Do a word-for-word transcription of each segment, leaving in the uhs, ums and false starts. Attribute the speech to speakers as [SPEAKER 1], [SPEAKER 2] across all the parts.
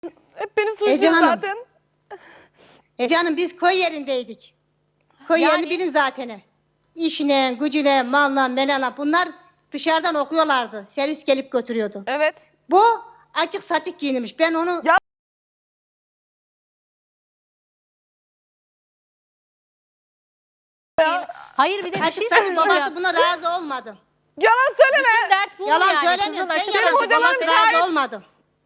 [SPEAKER 1] Hep beni
[SPEAKER 2] Ece
[SPEAKER 1] suçluyor
[SPEAKER 2] Hanım.
[SPEAKER 1] zaten.
[SPEAKER 2] E canım biz koy yerindeydik. Koy
[SPEAKER 3] Yani-
[SPEAKER 2] yerini bilin zaten. İşine, gücüne, malına, melana bunlar dışarıdan okuyorlardı. Servis gelip götürüyordu.
[SPEAKER 1] Evet.
[SPEAKER 2] Bu açık saçık giyinmiş. Ben onu
[SPEAKER 1] Ya-
[SPEAKER 3] Hayır bir de bir şey
[SPEAKER 2] açık saçık
[SPEAKER 3] söyleyeceğim.
[SPEAKER 2] babası buna razı olmadı.
[SPEAKER 1] Yalan söyleme.
[SPEAKER 3] Dert bu mu
[SPEAKER 2] Yalan
[SPEAKER 3] yani?
[SPEAKER 2] söylemiyor.
[SPEAKER 3] Kızın
[SPEAKER 2] Sen
[SPEAKER 3] açık
[SPEAKER 2] yalan
[SPEAKER 3] saçık
[SPEAKER 1] hocalarım
[SPEAKER 2] babası
[SPEAKER 3] babası-
[SPEAKER 1] şahit.
[SPEAKER 2] razı olmadı.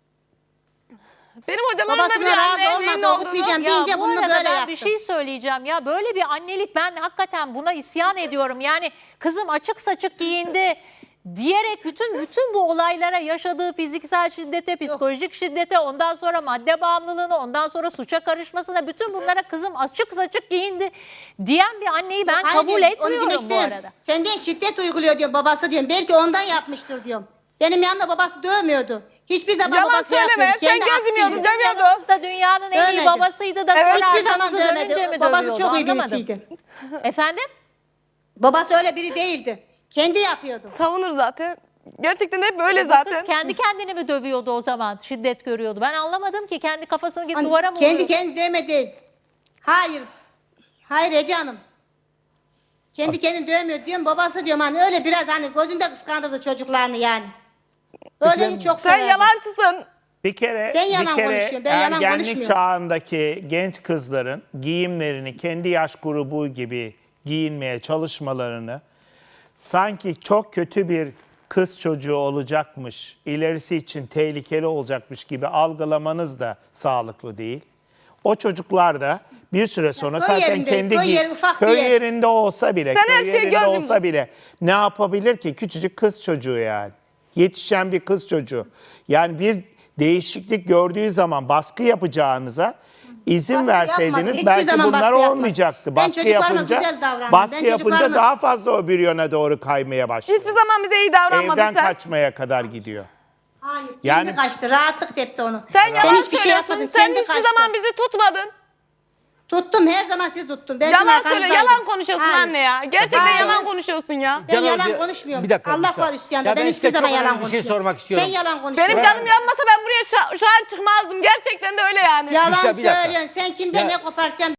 [SPEAKER 1] Benim hocalarım da
[SPEAKER 2] Babasına
[SPEAKER 1] biliyor anne
[SPEAKER 2] razı
[SPEAKER 1] neyin
[SPEAKER 2] olmadı.
[SPEAKER 1] olduğunu.
[SPEAKER 2] Okutmayacağım
[SPEAKER 3] Ya
[SPEAKER 2] deyince
[SPEAKER 3] bu
[SPEAKER 2] bunu
[SPEAKER 3] arada
[SPEAKER 2] böyle
[SPEAKER 3] ben
[SPEAKER 2] yaptı.
[SPEAKER 3] bir şey söyleyeceğim ya, böyle bir annelik, ben hakikaten buna isyan ediyorum. Yani kızım açık saçık giyindi diyerek bütün bütün bu olaylara, yaşadığı fiziksel şiddete, psikolojik şiddete, ondan sonra madde bağımlılığına, ondan sonra suça karışmasına, bütün bunlara kızım açık saçık giyindi diyen bir anneyi ben
[SPEAKER 2] Hayır,
[SPEAKER 3] kabul
[SPEAKER 2] onu demek
[SPEAKER 3] etmiyorum bu
[SPEAKER 2] istemiyorum.
[SPEAKER 3] arada.
[SPEAKER 2] Senden şiddet uyguluyor diyor babası diyorum. Belki ondan yapmıştır diyorum. Benim yanımda babası dövmüyordu. Hiçbir zaman
[SPEAKER 1] Yalan
[SPEAKER 2] babası
[SPEAKER 1] söyleme.
[SPEAKER 2] yapmıyordu.
[SPEAKER 1] Sen
[SPEAKER 2] Kendi
[SPEAKER 1] gözüm
[SPEAKER 2] aksiydi.
[SPEAKER 1] yolunda dövüyordu.
[SPEAKER 3] Yanınızda dünyanın en iyi
[SPEAKER 2] Dövmedi.
[SPEAKER 3] babasıydı da
[SPEAKER 1] Evet.
[SPEAKER 3] sonra
[SPEAKER 2] Hiçbir zaman
[SPEAKER 3] arkanızı dönünce
[SPEAKER 2] dövmedi.
[SPEAKER 3] mi
[SPEAKER 2] Babası
[SPEAKER 3] dövüyordu,
[SPEAKER 2] çok iyi
[SPEAKER 3] anlamadım.
[SPEAKER 2] birisiydi.
[SPEAKER 3] Efendim?
[SPEAKER 2] Babası öyle biri değildi. Kendi yapıyordu.
[SPEAKER 1] Savunur zaten. Gerçekten hep böyle
[SPEAKER 3] Bu
[SPEAKER 1] zaten.
[SPEAKER 3] kız kendi kendini mi dövüyordu o zaman? Şiddet görüyordu. Ben anlamadım ki, kendi kafasını gidip
[SPEAKER 2] Hani
[SPEAKER 3] duvara mı
[SPEAKER 2] kendi
[SPEAKER 3] vuruyor?
[SPEAKER 2] kendi dövmedi. Hayır. Hayır Ece Hanım. Kendi kendini dövmüyor diyorum. Babası diyorum hani öyle biraz hani gözünde kıskandırdı çocuklarını yani. Öyle çok
[SPEAKER 1] Sen
[SPEAKER 2] severdi.
[SPEAKER 1] yalancısın.
[SPEAKER 4] Bir kere,
[SPEAKER 2] Sen yalan
[SPEAKER 4] bir kere
[SPEAKER 2] konuşuyorsun, ben yalan
[SPEAKER 4] ergenlik
[SPEAKER 2] konuşmuyorum.
[SPEAKER 4] çağındaki genç kızların giyimlerini kendi yaş grubu gibi giyinmeye çalışmalarını sanki çok kötü bir kız çocuğu olacakmış, ilerisi için tehlikeli olacakmış gibi algılamanız da sağlıklı değil. O çocuklar da bir süre sonra
[SPEAKER 2] köy
[SPEAKER 4] zaten
[SPEAKER 2] yerinde,
[SPEAKER 4] kendi
[SPEAKER 2] köy
[SPEAKER 4] giy-
[SPEAKER 2] yeri ufak bir
[SPEAKER 4] köy
[SPEAKER 2] yer.
[SPEAKER 4] yerinde olsa bile,
[SPEAKER 1] Sen her
[SPEAKER 4] köy
[SPEAKER 1] şeye
[SPEAKER 4] yerinde
[SPEAKER 1] göz
[SPEAKER 4] olsa bile ne yapabilir ki? Küçücük kız çocuğu yani. Yetişen bir kız çocuğu. Yani bir değişiklik gördüğü zaman baskı yapacağınıza izin
[SPEAKER 2] Baskı yapmadı.
[SPEAKER 4] verseydiniz
[SPEAKER 2] Hiçbir
[SPEAKER 4] belki
[SPEAKER 2] zaman
[SPEAKER 4] bunlar
[SPEAKER 2] baskı yapmadı.
[SPEAKER 4] olmayacaktı.
[SPEAKER 2] Ben
[SPEAKER 4] Baskı
[SPEAKER 2] çocuklarıma
[SPEAKER 4] yapınca
[SPEAKER 2] güzel davrandım.
[SPEAKER 4] baskı
[SPEAKER 2] Ben
[SPEAKER 4] yapınca
[SPEAKER 2] çocuklarıma-
[SPEAKER 4] daha fazla o bir yöne doğru kaymaya başladı.
[SPEAKER 1] Hiçbir zaman bize iyi davranmadın
[SPEAKER 4] Evden
[SPEAKER 1] sen.
[SPEAKER 4] kaçmaya kadar gidiyor.
[SPEAKER 2] Hayır. Kendi
[SPEAKER 4] Yani-
[SPEAKER 2] kaçtı. Rahatlık tepti onu.
[SPEAKER 1] Sen yalan
[SPEAKER 2] hiçbir şey
[SPEAKER 1] söylüyorsun.
[SPEAKER 2] yapmadın.
[SPEAKER 1] Sen
[SPEAKER 2] Kendi
[SPEAKER 1] hiçbir
[SPEAKER 2] kaçtı.
[SPEAKER 1] zaman bizi tutmadın.
[SPEAKER 2] Tuttum. Her zaman sizi tuttum. Ben sizin
[SPEAKER 1] Yalan söyle.
[SPEAKER 2] arkanızdaydım.
[SPEAKER 1] Yalan konuşuyorsun
[SPEAKER 2] Hayır.
[SPEAKER 1] anne ya. Gerçekten
[SPEAKER 2] Hayır.
[SPEAKER 1] yalan konuşuyorsun ya.
[SPEAKER 2] Ben
[SPEAKER 5] Can
[SPEAKER 2] yalan
[SPEAKER 5] Hoca,
[SPEAKER 2] konuşmuyorum.
[SPEAKER 5] bir dakika,
[SPEAKER 2] Allah
[SPEAKER 5] bir saniye.
[SPEAKER 2] var üstyanında.
[SPEAKER 5] Ya
[SPEAKER 2] ben
[SPEAKER 5] ben
[SPEAKER 2] hiçbir
[SPEAKER 5] size
[SPEAKER 2] zaman
[SPEAKER 5] çok
[SPEAKER 2] yalan
[SPEAKER 5] önemli bir şey
[SPEAKER 2] konuşmuyorum.
[SPEAKER 5] sormak istiyorum.
[SPEAKER 2] Sen yalan konuşuyorsun.
[SPEAKER 1] Benim canım yanmasa ben buraya şu, şu an çıkmazdım. Gerçekten de öyle yani.
[SPEAKER 2] Yalan
[SPEAKER 5] Bir dakika, bir dakika.
[SPEAKER 2] söylüyorsun. Sen kimden
[SPEAKER 5] Ya-
[SPEAKER 2] ne koparacaksın?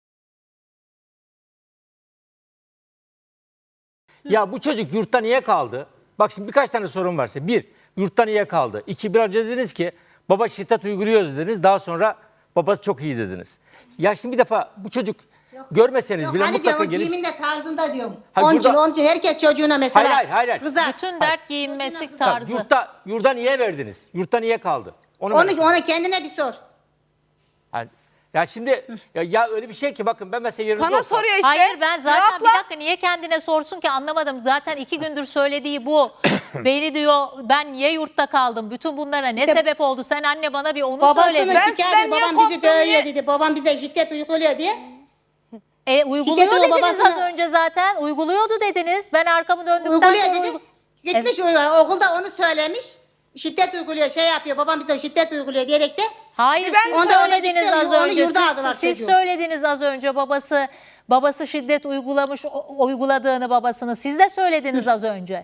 [SPEAKER 5] Ya bu çocuk yurtta niye kaldı? Bak şimdi birkaç tane sorun varsa. Bir, yurtta niye kaldı? İki, biraz önce dediniz ki baba şiddet uyguluyor dediniz. Daha sonra babası çok iyi dediniz. Ya şimdi bir defa bu çocuk görmeseniz
[SPEAKER 2] Yok,
[SPEAKER 5] bile
[SPEAKER 2] hani
[SPEAKER 5] mutlaka
[SPEAKER 2] diyorum o
[SPEAKER 5] gelip...
[SPEAKER 2] giyiminde tarzında diyorum.
[SPEAKER 5] Hayır,
[SPEAKER 2] Onun için,
[SPEAKER 5] burada-
[SPEAKER 2] onun için herkes çocuğuna mesela
[SPEAKER 5] Hayır, hayır, hayır, hayır.
[SPEAKER 2] kızar.
[SPEAKER 3] Bütün dert giyinmesi
[SPEAKER 5] Bak,
[SPEAKER 3] tarzı.
[SPEAKER 5] yurtta, yurda niye verdiniz? Yurtta niye kaldı? Onu
[SPEAKER 2] Onu,
[SPEAKER 5] merak ediyorum.
[SPEAKER 2] ona kendine bir sor.
[SPEAKER 5] Yani- ya şimdi ya, ya öyle bir şey ki bakın ben mesela yerinizde
[SPEAKER 1] Sana
[SPEAKER 5] olsam-
[SPEAKER 1] soruyor işte.
[SPEAKER 3] Hayır, ben zaten
[SPEAKER 1] Cevapla.
[SPEAKER 3] bir dakika, niye kendine sorsun ki, anlamadım. Zaten iki gündür söylediği bu. Beni diyor, ben niye yurtta kaldım? Bütün bunlara ne sebep oldu? Sen anne bana bir onu
[SPEAKER 2] Babasını
[SPEAKER 3] söyle.
[SPEAKER 1] Ben
[SPEAKER 2] şikayet
[SPEAKER 1] sizden
[SPEAKER 2] ediyor.
[SPEAKER 1] niye
[SPEAKER 2] Babam bizi
[SPEAKER 1] korktum
[SPEAKER 2] dövüyor
[SPEAKER 1] diye-
[SPEAKER 2] dedi. Babam bize şiddet uyguluyor diye.
[SPEAKER 3] E, uyguluyor
[SPEAKER 2] Şiddet o
[SPEAKER 3] dediniz
[SPEAKER 2] babasına-
[SPEAKER 3] az önce zaten. Uyguluyordu dediniz. Ben arkamı döndükten
[SPEAKER 2] Uyguluyor
[SPEAKER 3] sonra...
[SPEAKER 2] dedi.
[SPEAKER 3] uygu-
[SPEAKER 2] Gitmiş uyuyor. Okulda onu söylemiş. Şiddet uyguluyor, şey yapıyor. Babam bize şiddet uyguluyor diyerek de.
[SPEAKER 3] Hayır,
[SPEAKER 1] Ben
[SPEAKER 3] siz
[SPEAKER 2] onu da öyle
[SPEAKER 3] söylediniz
[SPEAKER 2] gittim,
[SPEAKER 3] az
[SPEAKER 2] onu
[SPEAKER 3] önce.
[SPEAKER 2] yurda
[SPEAKER 3] Siz,
[SPEAKER 2] aldılar
[SPEAKER 3] siz
[SPEAKER 2] çocuğu.
[SPEAKER 3] söylediniz az önce babası babası şiddet uygulamış, o- uyguladığını babasını. Siz de söylediniz az önce.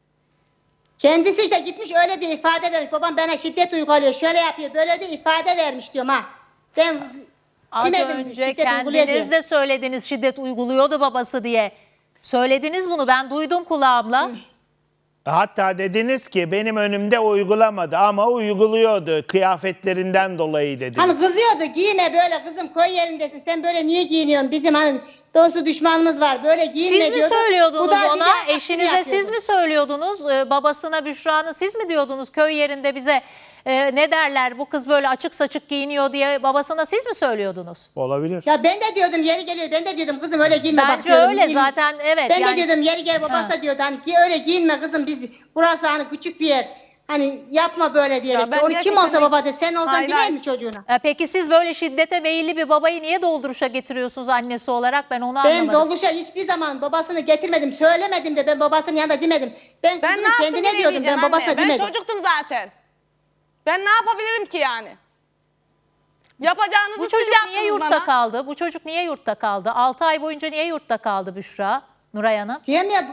[SPEAKER 2] Kendisi işte gitmiş öyle diye ifade vermiş. Babam bana şiddet uyguluyor, şöyle yapıyor, böyle de ifade vermiş diyorum ha. Ben
[SPEAKER 3] Az
[SPEAKER 2] demedim,
[SPEAKER 3] önce
[SPEAKER 2] şiddet uyguluyor
[SPEAKER 3] kendiniz
[SPEAKER 2] diye.
[SPEAKER 3] de söylediniz şiddet uyguluyordu babası diye. Söylediniz bunu, ben duydum kulağımla.
[SPEAKER 4] Hatta dediniz ki benim önümde uygulamadı ama uyguluyordu kıyafetlerinden dolayı dediniz.
[SPEAKER 2] Hani kızıyordu, giyme böyle kızım, koy yerindesin, sen böyle niye giyiniyorsun, bizim hani dostu düşmanımız var, böyle giyinme
[SPEAKER 3] Siz mi
[SPEAKER 2] diyordu. Bu
[SPEAKER 3] söylüyordunuz
[SPEAKER 2] da bir de
[SPEAKER 3] ona,
[SPEAKER 2] aksini
[SPEAKER 3] eşinize siz
[SPEAKER 2] yapıyordu.
[SPEAKER 3] mi söylüyordunuz, Ee, babasına, Büşra'nın siz mi diyordunuz köy yerinde bize e, ne derler, bu kız böyle açık saçık giyiniyor diye babasına siz mi söylüyordunuz?
[SPEAKER 4] Olabilir.
[SPEAKER 2] Ya ben de diyordum yeri geliyor, ben de diyordum kızım öyle giyinme bak
[SPEAKER 3] Bence
[SPEAKER 2] diyordum.
[SPEAKER 3] öyle
[SPEAKER 2] Giyin-
[SPEAKER 3] zaten, evet.
[SPEAKER 2] Ben
[SPEAKER 3] yani,
[SPEAKER 2] de diyordum yeri gel babası
[SPEAKER 3] Ha.
[SPEAKER 2] da diyordu hani ki öyle giyinme kızım, biz burası hani küçük bir yer. Hani yapma böyle diye.
[SPEAKER 1] Ya
[SPEAKER 2] işte.
[SPEAKER 1] ben
[SPEAKER 2] Onu kim
[SPEAKER 1] gerçekten
[SPEAKER 2] olsa
[SPEAKER 1] bir-
[SPEAKER 2] babadır, sen olsan
[SPEAKER 1] Hayır,
[SPEAKER 2] dinler
[SPEAKER 1] hayır.
[SPEAKER 2] mi çocuğuna?
[SPEAKER 3] E, peki siz böyle şiddete meyilli bir babayı niye dolduruşa getiriyorsunuz annesi olarak, ben onu
[SPEAKER 2] Ben
[SPEAKER 3] anlamadım.
[SPEAKER 2] doluşa hiçbir zaman babasını getirmedim, söylemedim de ben babasının yanında demedim. Ben,
[SPEAKER 1] Ben ne
[SPEAKER 2] kızımın
[SPEAKER 1] yaptım
[SPEAKER 2] kendine diyordum, ben
[SPEAKER 1] bilemeyeceğim
[SPEAKER 2] babasına
[SPEAKER 1] anne. Ben
[SPEAKER 2] demedim.
[SPEAKER 1] çocuktum zaten. Ben ne yapabilirim ki yani? Yapacağınızı
[SPEAKER 3] Bu
[SPEAKER 1] siz
[SPEAKER 3] çocuk
[SPEAKER 1] yaptınız
[SPEAKER 3] niye yurtta
[SPEAKER 1] bana.
[SPEAKER 3] kaldı? Bu çocuk niye yurtta kaldı? altı ay boyunca niye yurtta kaldı Büşra, Nuray Hanım?
[SPEAKER 2] Diyorum ya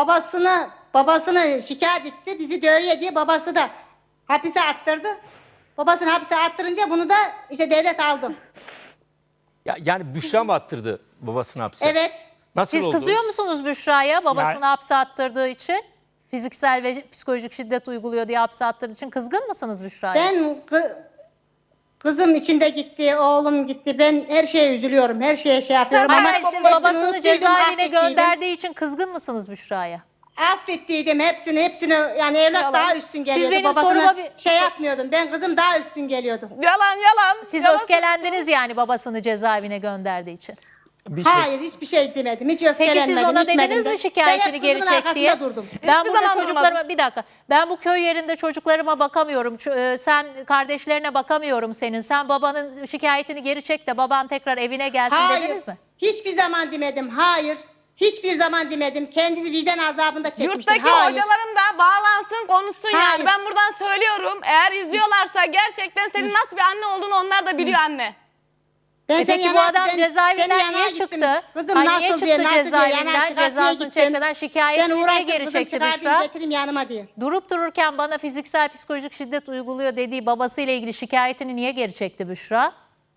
[SPEAKER 2] babasını babasını şikayet etti, bizi dövüyor diye babası da hapise attırdı. Babasını hapse attırınca bunu da işte devlet aldı.
[SPEAKER 5] Ya, yani Büşra mı attırdı babasını hapse?
[SPEAKER 2] Evet.
[SPEAKER 5] Nasıl
[SPEAKER 3] Siz
[SPEAKER 5] oldu?
[SPEAKER 3] kızıyor musunuz Büşra'ya babasını
[SPEAKER 4] Yani-
[SPEAKER 3] hapse attırdığı için? Fiziksel ve psikolojik şiddet uyguluyor diye hapse attırdığı için kızgın mısınız Büşra'ya?
[SPEAKER 2] Ben kı- kızım içinde gitti, oğlum gitti. Ben her şeye üzülüyorum. Her şeye şey yapıyorum.
[SPEAKER 3] Hayır,
[SPEAKER 2] Ama
[SPEAKER 3] hayır, siz
[SPEAKER 2] hepsini
[SPEAKER 3] babasını
[SPEAKER 2] unuttuydum,
[SPEAKER 3] cezaevine
[SPEAKER 2] affettiydim.
[SPEAKER 3] gönderdiği için kızgın mısınız Büşra'ya?
[SPEAKER 2] Affettiydim hepsini, hepsini. Yani evlat
[SPEAKER 1] Yalan.
[SPEAKER 2] daha üstün geliyordu.
[SPEAKER 3] benim
[SPEAKER 2] Babasına
[SPEAKER 3] soruma bir-
[SPEAKER 2] şey yapmıyordum. Ben kızım daha üstün geliyordu.
[SPEAKER 1] Yalan yalan.
[SPEAKER 3] Siz
[SPEAKER 1] yalan
[SPEAKER 3] öfkelendiniz yani babasını cezaevine gönderdiği için.
[SPEAKER 5] Bir şey.
[SPEAKER 2] Hayır, hiçbir şey demedim. Hiç
[SPEAKER 3] Peki
[SPEAKER 2] öfkelenmedim.
[SPEAKER 3] siz ona
[SPEAKER 2] gitmedim
[SPEAKER 3] dediniz
[SPEAKER 2] de.
[SPEAKER 3] mi şikayetini
[SPEAKER 2] Ben hep
[SPEAKER 3] geri
[SPEAKER 2] kızımın
[SPEAKER 3] çek diye?
[SPEAKER 2] arkasında durdum.
[SPEAKER 3] Ben
[SPEAKER 1] Hiçbir
[SPEAKER 3] burada
[SPEAKER 1] zaman
[SPEAKER 3] çocuklarıma
[SPEAKER 1] durmadım.
[SPEAKER 3] bir dakika. Ben bu köy yerinde çocuklarıma bakamıyorum. Ç- e, Sen kardeşlerine bakamıyorum senin. Sen babanın şikayetini geri çek de baban tekrar evine gelsin
[SPEAKER 2] Hayır.
[SPEAKER 3] dediniz mi?
[SPEAKER 2] Hiçbir zaman demedim. Hayır. Hiçbir zaman demedim. Kendisi vicdan azabında çekmiştir.
[SPEAKER 1] Yurttaki
[SPEAKER 2] Hayır.
[SPEAKER 1] hocalarım da bağlansın, konuşsun
[SPEAKER 2] Hayır.
[SPEAKER 1] yani. Ben buradan söylüyorum. Eğer izliyorlarsa gerçekten senin nasıl bir anne olduğunu onlar da biliyor anne.
[SPEAKER 2] Ben
[SPEAKER 3] E
[SPEAKER 2] seni
[SPEAKER 3] peki bu
[SPEAKER 2] yana-
[SPEAKER 3] adam
[SPEAKER 2] ben
[SPEAKER 3] cezaevinden
[SPEAKER 2] seni yana
[SPEAKER 3] niye
[SPEAKER 2] gittim.
[SPEAKER 3] çıktı?
[SPEAKER 2] Kızım
[SPEAKER 3] Ay,
[SPEAKER 2] nasıl
[SPEAKER 3] niye çıktı
[SPEAKER 2] diye, nasıl diye,
[SPEAKER 3] cezaevinden?
[SPEAKER 2] yana çıkartmaya
[SPEAKER 3] Cezasını
[SPEAKER 2] gittim.
[SPEAKER 3] çekmeden şikayetini
[SPEAKER 2] Ben
[SPEAKER 3] niye
[SPEAKER 2] uğraştım,
[SPEAKER 3] geri
[SPEAKER 2] kızım
[SPEAKER 3] çekti
[SPEAKER 2] çıkartayım,
[SPEAKER 3] Büşra?
[SPEAKER 2] getireyim yanıma diye.
[SPEAKER 3] Durup dururken bana fiziksel psikolojik şiddet uyguluyor dediği babasıyla ilgili şikayetini niye geri çekti Büşra?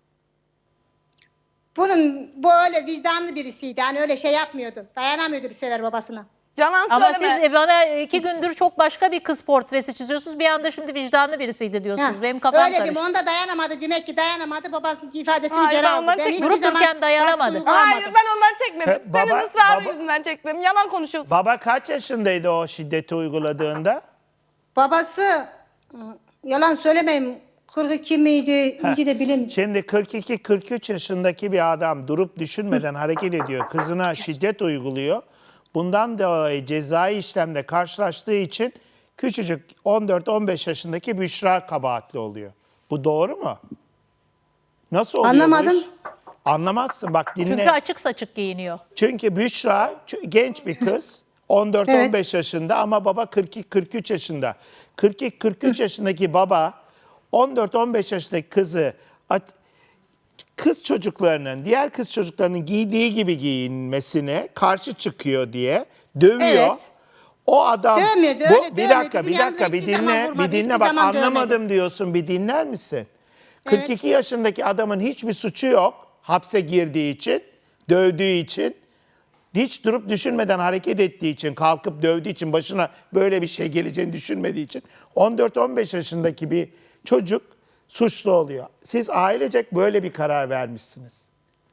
[SPEAKER 2] Bunun bu öyle vicdanlı birisiydi. Hani öyle şey yapmıyordu. Dayanamıyordu bir sefer babasına.
[SPEAKER 1] Yalan
[SPEAKER 3] Ama
[SPEAKER 1] söyleme.
[SPEAKER 3] siz e, bana iki gündür çok başka bir kız portresi çiziyorsunuz. Bir anda şimdi vicdanlı birisiydi diyorsunuz.
[SPEAKER 2] Ha,
[SPEAKER 3] Benim kafam
[SPEAKER 2] öyle
[SPEAKER 3] karıştı.
[SPEAKER 2] dedim. Onda dayanamadı. Demek ki dayanamadı. Babasının ifadesini
[SPEAKER 1] Hayır,
[SPEAKER 2] geri
[SPEAKER 1] ben
[SPEAKER 2] aldı.
[SPEAKER 1] ondan
[SPEAKER 2] Ben
[SPEAKER 1] çektim.
[SPEAKER 2] hiçbir
[SPEAKER 3] Durup
[SPEAKER 2] zaman
[SPEAKER 3] dururken dayanamadı.
[SPEAKER 2] baskı uygulamadım.
[SPEAKER 1] Hayır ben ondan çekmedim.
[SPEAKER 4] He,
[SPEAKER 1] Senin
[SPEAKER 4] baba-
[SPEAKER 1] ısrarın
[SPEAKER 4] baba-
[SPEAKER 1] yüzünden çektim. Yalan konuşuyorsun.
[SPEAKER 4] Baba kaç yaşındaydı o şiddeti uyguladığında?
[SPEAKER 2] Babası ı, yalan söylemeyeyim. kırk iki miydi? İnci de bilemiyorum.
[SPEAKER 4] Şimdi kırk iki kırk üç yaşındaki bir adam durup düşünmeden hareket ediyor. Kızına şiddet uyguluyor. Bundan dolayı cezai işlemle karşılaştığı için küçücük on dört on beş yaşındaki Büşra kabahatli oluyor. Bu doğru mu? Nasıl oluyor bu
[SPEAKER 2] Anlamadım.
[SPEAKER 4] iş? Anlamazsın bak dinle.
[SPEAKER 3] Çünkü açık saçık giyiniyor.
[SPEAKER 4] Çünkü Büşra ç- genç bir kız. on dört on beş yaşında ama baba kırk iki kırk üç yaşında. kırk iki kırk üç yaşındaki baba on dört on beş yaşındaki kızı at- kız çocuklarının, diğer kız çocuklarının giydiği gibi giyinmesine karşı çıkıyor diye dövüyor.
[SPEAKER 2] Evet.
[SPEAKER 4] O adam
[SPEAKER 2] Dövmüyor,
[SPEAKER 4] bu,
[SPEAKER 2] öyle
[SPEAKER 4] bir
[SPEAKER 2] dövmüyor.
[SPEAKER 4] dakika
[SPEAKER 2] Bizim
[SPEAKER 4] bir
[SPEAKER 2] yanımıza
[SPEAKER 4] dakika bir
[SPEAKER 2] hiçbir zaman
[SPEAKER 4] dinle
[SPEAKER 2] vurmadı,
[SPEAKER 4] bir dinle
[SPEAKER 2] hiçbir
[SPEAKER 4] bak
[SPEAKER 2] zaman dövmedi.
[SPEAKER 4] anlamadım diyorsun bir dinler misin? kırk iki yaşındaki adamın hiçbir suçu yok hapse girdiği için, dövdüğü için. Hiç durup düşünmeden hareket ettiği için, kalkıp dövdüğü için, başına böyle bir şey geleceğini düşünmediği için on dört on beş yaşındaki bir çocuk suçlu oluyor. Siz ailecek böyle bir karar vermişsiniz.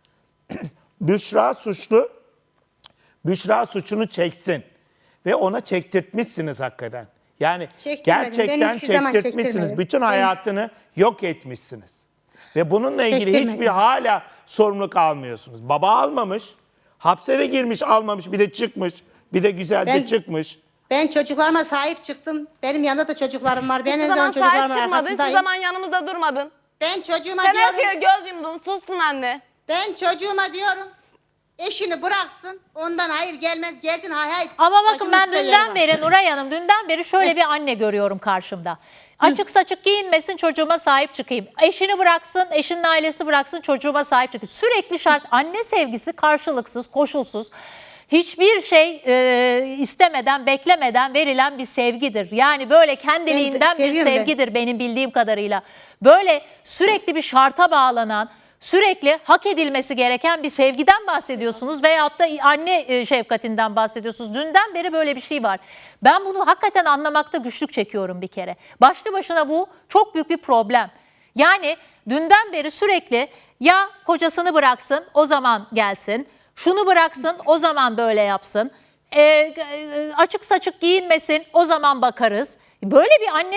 [SPEAKER 4] Büşra suçlu, Büşra suçunu çeksin ve ona çektirtmişsiniz hakikaten. Yani
[SPEAKER 2] Çektirmedim. Ben
[SPEAKER 4] gerçekten
[SPEAKER 2] hiçbir zaman
[SPEAKER 4] çektirtmişsiniz.
[SPEAKER 2] çektirmedim.
[SPEAKER 4] Bütün
[SPEAKER 2] Ben-
[SPEAKER 4] hayatını yok etmişsiniz. Ve bununla ilgili
[SPEAKER 2] Çektirmedim.
[SPEAKER 4] hiçbir hala sorumluluk almıyorsunuz. Baba almamış, hapse de girmiş almamış, bir de çıkmış, bir de güzelce
[SPEAKER 2] Ben-
[SPEAKER 4] çıkmış.
[SPEAKER 2] Ben çocuklarıma sahip çıktım. Benim yanında da çocuklarım var. Ben
[SPEAKER 1] Hiçbir
[SPEAKER 2] her
[SPEAKER 1] zaman
[SPEAKER 2] zaman
[SPEAKER 1] sahip
[SPEAKER 2] çocuklarımın
[SPEAKER 1] çıkmadın. Hiçbir
[SPEAKER 2] arkasındayım.
[SPEAKER 1] zaman yanımızda durmadın.
[SPEAKER 2] Ben çocuğuma
[SPEAKER 1] Sen her
[SPEAKER 2] diyorum.
[SPEAKER 1] şeye göz yumdun. Sustun anne.
[SPEAKER 2] Ben çocuğuma diyorum. Eşini bıraksın. Ondan hayır gelmez. Gelsin hay hay.
[SPEAKER 3] Ama bakın
[SPEAKER 2] Başımın
[SPEAKER 3] ben
[SPEAKER 2] üstünde yeri
[SPEAKER 3] dünden
[SPEAKER 2] var.
[SPEAKER 3] beri Nuray Hanım dünden beri şöyle bir anne görüyorum karşımda. Açık saçık giyinmesin çocuğuma sahip çıkayım. Eşini bıraksın, eşinin ailesi bıraksın çocuğuma sahip çıkayım. Sürekli şart anne sevgisi karşılıksız, koşulsuz. Hiçbir şey e, istemeden, beklemeden verilen bir sevgidir. Yani böyle kendiliğinden bir
[SPEAKER 2] seviyorum ben.
[SPEAKER 3] sevgidir benim bildiğim kadarıyla. Böyle sürekli bir şarta bağlanan, sürekli hak edilmesi gereken bir sevgiden bahsediyorsunuz veyahut da anne e, şefkatinden bahsediyorsunuz. Dünden beri böyle bir şey var. Ben bunu hakikaten anlamakta güçlük çekiyorum bir kere. Başlı başına bu çok büyük bir problem. Yani dünden beri sürekli ya kocasını bıraksın o zaman gelsin, şunu bıraksın o zaman böyle yapsın, e, e, açık saçık giyinmesin o zaman bakarız. Böyle bir anne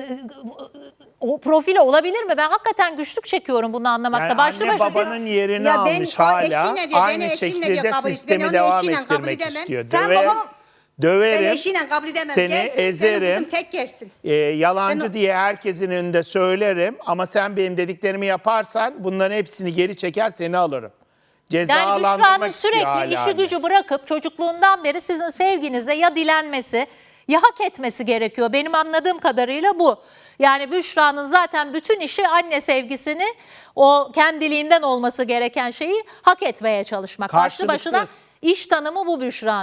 [SPEAKER 3] o profili olabilir mi? Ben hakikaten güçlük çekiyorum bunu anlamakta.
[SPEAKER 4] Yani
[SPEAKER 3] Başlı
[SPEAKER 4] anne
[SPEAKER 3] başına siz-
[SPEAKER 4] babanın yerini
[SPEAKER 2] Ya ben
[SPEAKER 4] almış
[SPEAKER 2] o
[SPEAKER 4] hala.
[SPEAKER 2] eşinle diyor,
[SPEAKER 4] Aynı
[SPEAKER 2] beni eşinle
[SPEAKER 4] şekilde
[SPEAKER 2] diyor, kabul- ben
[SPEAKER 4] sistemi
[SPEAKER 2] onu
[SPEAKER 4] devam
[SPEAKER 2] eşiyle kabul
[SPEAKER 4] ettirmek
[SPEAKER 2] edemem.
[SPEAKER 4] istiyor.
[SPEAKER 1] Sen
[SPEAKER 4] Döverim,
[SPEAKER 1] babamı-
[SPEAKER 2] Ben
[SPEAKER 4] döverim,
[SPEAKER 2] eşiyle kabul edemem.
[SPEAKER 4] seni
[SPEAKER 2] Gelsin, benim
[SPEAKER 4] ezerim.
[SPEAKER 2] kızım tek gelsin.
[SPEAKER 4] e, yalancı
[SPEAKER 2] Ben o-
[SPEAKER 4] diye herkesin önünde söylerim ama sen benim dediklerimi yaparsan bunların hepsini geri çeker seni alırım.
[SPEAKER 3] Yani
[SPEAKER 4] Cezalandırmak
[SPEAKER 3] Büşra'nın
[SPEAKER 4] istiyor
[SPEAKER 3] sürekli
[SPEAKER 4] hala
[SPEAKER 3] işi
[SPEAKER 4] anne.
[SPEAKER 3] gücü bırakıp çocukluğundan beri sizin sevginize ya dilenmesi ya hak etmesi gerekiyor. Benim anladığım kadarıyla bu. Yani Büşra'nın zaten bütün işi anne sevgisini, o kendiliğinden olması gereken şeyi hak etmeye çalışmak. Başlı başına
[SPEAKER 4] Karşılıksız.
[SPEAKER 3] iş tanımı bu Büşra'nın.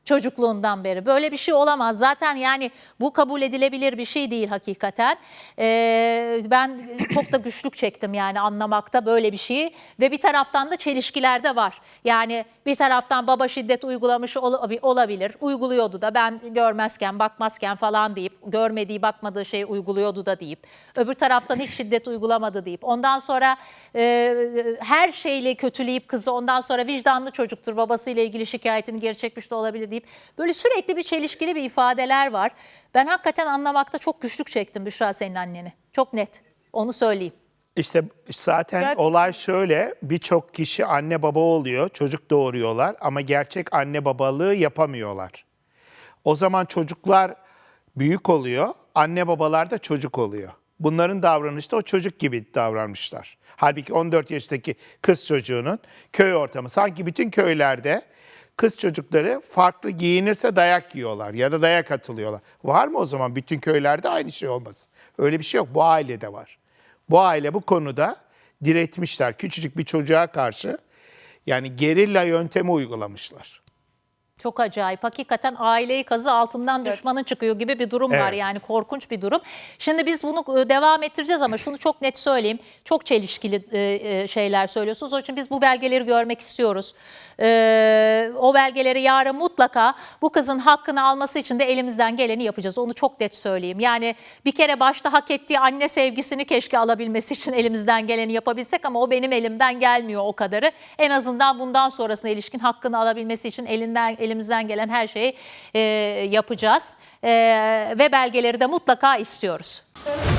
[SPEAKER 3] Çocukluğundan beri. Böyle bir şey olamaz. Zaten yani bu kabul edilebilir bir şey değil hakikaten. Ee, ben çok da güçlük çektim yani anlamakta böyle bir şeyi. Ve bir taraftan da çelişkiler de var. Yani bir taraftan baba şiddet uygulamış ol- olabilir. Uyguluyordu da ben görmezken, bakmazken falan deyip, görmediği, bakmadığı şeyi uyguluyordu da deyip. Öbür taraftan hiç şiddet uygulamadı deyip. Ondan sonra e, her şeyle kötüleyip kızı, ondan sonra vicdanlı çocuktur, babasıyla ilgili şikayetini geri çekmiş de olabilir deyip. Böyle sürekli bir çelişkili bir ifadeler var. Ben hakikaten anlamakta çok güçlük çektim Büşra senin anneni. Çok net. Onu söyleyeyim.
[SPEAKER 4] İşte zaten
[SPEAKER 1] Gerçekten.
[SPEAKER 4] olay şöyle, birçok kişi anne baba oluyor, çocuk doğuruyorlar ama gerçek anne babalığı yapamıyorlar. O zaman çocuklar büyük oluyor, anne babalar da çocuk oluyor. Bunların davranışı da o çocuk gibi davranmışlar. Halbuki on dört yaşındaki kız çocuğunun köy ortamı, sanki bütün köylerde kız çocukları farklı giyinirse dayak yiyorlar ya da dayak atılıyorlar. Var mı o zaman bütün köylerde aynı şey olmasın? Öyle bir şey yok, bu ailede var. Bu aile bu konuda diretmişler. Küçücük bir çocuğa karşı yani gerilla yöntemi uygulamışlar.
[SPEAKER 3] Çok acayip. Hakikaten aileyi kazı altından düşmanın çıkıyor gibi bir durum var.
[SPEAKER 4] Evet.
[SPEAKER 3] Yani korkunç bir durum. Şimdi biz bunu e, devam ettireceğiz ama şunu çok net söyleyeyim. Çok çelişkili e, e, şeyler söylüyorsunuz. Onun için biz bu belgeleri görmek istiyoruz. E, o belgeleri yarın mutlaka bu kızın hakkını alması için de elimizden geleni yapacağız. Onu çok net söyleyeyim. Yani bir kere başta hak ettiği anne sevgisini keşke alabilmesi için elimizden geleni yapabilsek ama o benim elimden gelmiyor o kadarı. En azından bundan sonrasına ilişkin hakkını alabilmesi için elinden elimizden gelen her şeyi e, yapacağız. E, ve belgeleri de mutlaka istiyoruz.